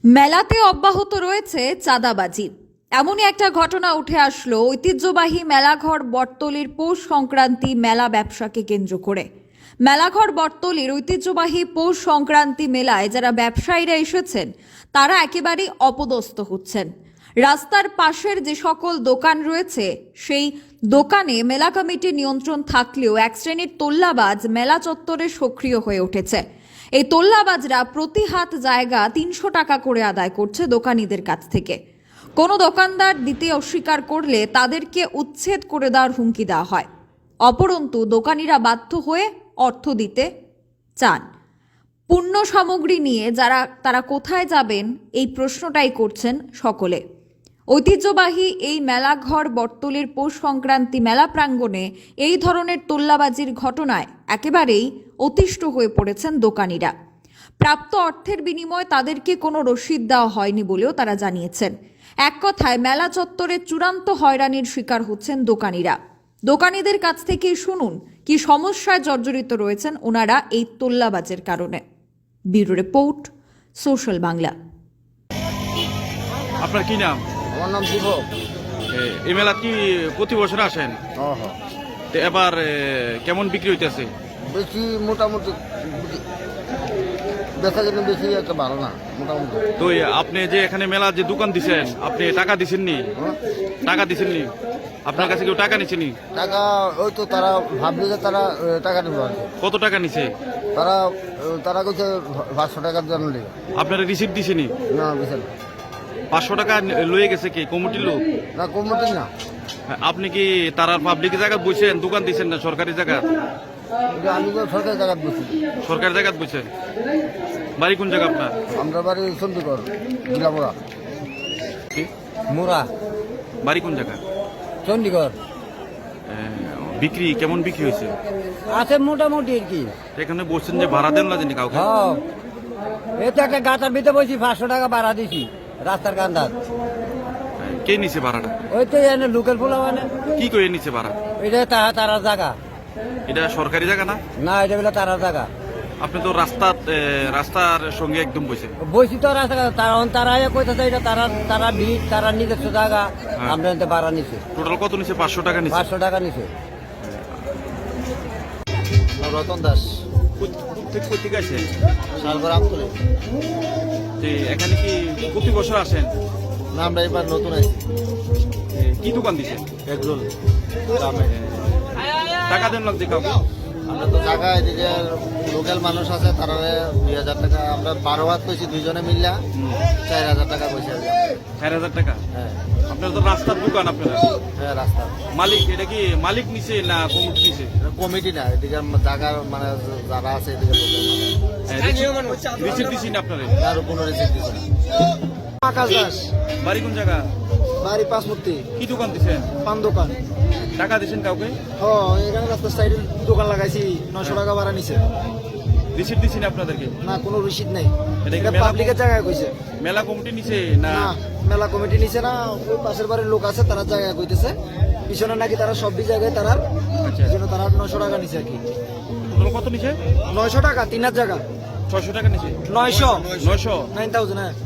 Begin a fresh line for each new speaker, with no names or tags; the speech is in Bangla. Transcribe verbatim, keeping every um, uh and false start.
মেলাতে অব্যাহত রয়েছে চাঁদাবাজি। এমনই একটা ঘটনা উঠে আসলো ঐতিহ্যবাহী মেলাঘর বটতলির পৌষ সংক্রান্তি মেলা ব্যবসাকে কেন্দ্র করে। মেলাঘর বটতলির ঐতিহ্যবাহী পৌষ সংক্রান্তি মেলায় যারা ব্যবসায়ীরা এসেছেন তারা একেবারেই অপদস্থ হচ্ছেন। রাস্তার পাশের যে সকল দোকান রয়েছে সেই দোকানে মেলা কমিটির নিয়ন্ত্রণ থাকলেও এক শ্রেণীর তোল্লাবাজ মেলা চত্বরে সক্রিয় হয়ে উঠেছে। এই তোল্লাবাজরা প্রতি হাত জায়গা তিনশো টাকা করে আদায় করছে দোকানীদের কাছ থেকে। কোনো দোকানদার দিতে অস্বীকার করলে তাদেরকে উচ্ছেদ করে দেওয়ার হুমকি দেওয়া হয়। অপরন্তু দোকানিরা বাধ্য হয়ে অর্থ দিতে চান। পণ্য সামগ্রী নিয়ে যারা তারা কোথায় যাবেন এই প্রশ্নটাই করছেন সকলে। ঐতিহ্যবাহী এই মেলাঘর বটতলির পৌষ সংক্রান্তি মেলা প্রাঙ্গণে এই ধরনের তোল্লাবাজির ঘটনায় একেবারেই অতিষ্ঠ হয়ে পড়েছেন দোকানিরা। প্রাপ্ত অর্থের বিনিময়ে তাদেরকে কোনো রসিদ দেওয়া হয়নি বলেও তারা জানিয়েছেন। এক কথায় মেলা চত্বরে চূড়ান্ত হয়রানির শিকার হচ্ছেন দোকানিরা। দোকানীদের কাছ থেকে শুনুন কি সমস্যায় জর্জরিত রয়েছেন ওনারা এই তোল্লাবাজের কারণে। Bureau report, social Bangla.
আপনার কি নাম?
আমার নাম দিব।
এই মেলা কি প্রতি বছর আসেন? তো এবার এ, কেমন বিক্রি হইতেছে?
বেশি মোটামুটি দেখা গেলে বেশি একটা ভালো না, মোটামুটি।
তো এই আপনি যে এখানে মেলা যে দোকান দিছেন আপনি টাকা দিছেননি?
হ্যাঁ?
টাকা দিছেননি? আপনার কাছে কেউ টাকা নিছেনি?
টাকা ওই তো তারা ভাবলি যে তারা এ, টাকা নেবে আর কি।
কত টাকা নিছে?
তারা এ, তারা কইছে পাঁচশো টাকার জন্য লেগে
আপনারা রিসিপ্ট দিছেনি?
না বুঝছেন,
পাঁচশো টাকা লয়ে গেছে কি কমিটির লোক?
না কমতি না।
আপনি কি তারার পাবলিক জায়গা বসেন, দোকান দিছেন না সরকারি জায়গা?
এটা আমি তো সরকারি জায়গা বসি।
সরকারি জায়গা বসেন? বাড়ি কোন জায়গা আপনার?
আমরা বাড়ি চন্ডীগড়, গিলামোড়া।
কি?
মোড়া,
বাড়ি কোন জায়গা?
চন্ডীগড়।
এ, বিক্রি কেমন বিক্রি হয়েছে?
আছে মোটামুটি আর কি।
এখানে বলছেন যে ভাড়া দেন না জানি কাউকে?
হ্যাঁ, এই তো একটা গাতার ভিতরে বসি, পাঁচশো টাকা ভাড়া দিছি রাস্তার কান্দার।
কে নিছে ভাড়াটা?
ওই তো এনে লোকাল পোলা মানে।
কি করে নিছে ভাড়া?
এটা তারা তারা জায়গা
এটা সরকারি জায়গা না?
না, এটা বলে তারা জায়গা।
আপনি তো রাস্তা রাস্তার সঙ্গে একদম বসে।
বসি তো রাস্তা, তারা তারা কইতেছে এটা তারা তারা ভিড়, তারা নিজস্ব জায়গা।
হ্যাঁ।
আমরা এতে ভাড়া নিছে
টোটাল কত নিছে? পাঁচশো টাকা নিছে।
পাঁচশো টাকা নিছে। রতন দাস,
ঠিক আছে।
শালগড় আমতলী।
এখানে কি প্রতি বছর আসেন?
না, আমরা এবার নতুন আছি।
এ, কি দোকান দিছে?
এগরোল।
টাকা দেন লাগছে কাউকে?
আমরা তো জায়গা এদিকে লোকাল মানুষ আছে, তারা দুই হাজার টাকা আমরা বারো হাত কইছি, দুইজনে মিললা চার হাজার টাকা পয়সা।
চার হাজার টাকা?
হ্যাঁ
আপনার তো রাস্তার দোকান আপনারা?
হ্যাঁ, রাস্তা
মালিক এটা কি মালিক নিছে না কমিটি নিছে?
কমিটি না, এদিকে জায়গা মানে যারা আছে এদিকে লোকাল
রিসিপ্ট দিছি না আপনারা?
আরো কোনো রিসিপ্ট দিচ্ছে না। আকাশ দাস,
বাড়ি কোন জায়গা?
বাড়ি পাঁচমূর্তি।
কি দোকান দিছেন?
পান দোকান।
টাকা দিছেন কাউকে?
হ্যাঁ, এখানে রাস্তার সাইডে দোকান লাগাইছি, নয়শো টাকা ভাড়া নিছে।
রিসিপ্ট দিছি না আপনাদেরকে?
না, কোনো রসিদ নাই।
এটা কি
এটা
মেলা-
পাবলিকের জায়গায় কইছে।
মেলা কমিটি নিছে না?
না, মেলা কমিটি নিছে না, ওই পাশের বাড়ির লোক আছে তারা জায়গায় কইতেছে। পিছনে নাকি তারা সব জায়গায় তারা
আচ্ছা,
যেন তারা নয়শো টাকা নিছে আর কি।
টোটাল কত নিছে?
নয়শো টাকা তিন হাজার জায়গা।
ছয়শো টাকা নিছে?
নয়শো
নয়শো?
নাইন থাউজেন্ড হ্যাঁ।